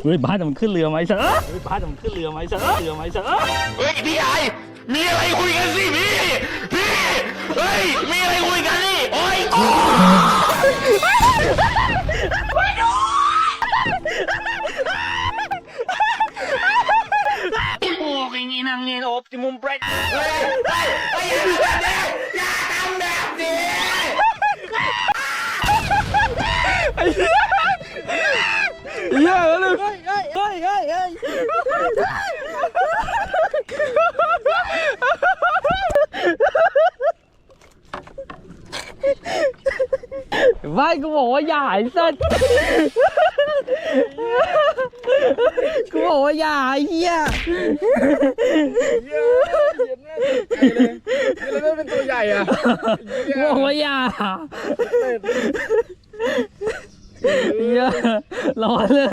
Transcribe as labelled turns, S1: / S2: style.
S1: เฮ้ยบ้านมันขึ้นเรือไหมเสือเฮ้ยบ้านมันขึ้นเรือไหมเสือเรือไหมเสือ
S2: เฮ้ยพี่ใหญ่มีอะไรคุยกันสิพี่เฮ้ยมีอะไรคุยกันสิโอ้ย
S1: ingin angin optimum break
S2: อย่าทำแบบนี้
S1: เยอะเลยเฮ้ยไม่กูบอกว่าอย่าไอ้สัสกูบอกว่าอย่าไอ้เหี้ย
S3: แล้วเป็นตัวใหญ่อะ
S1: กูบอกว่าอย่าเหี้ยร้อนเลย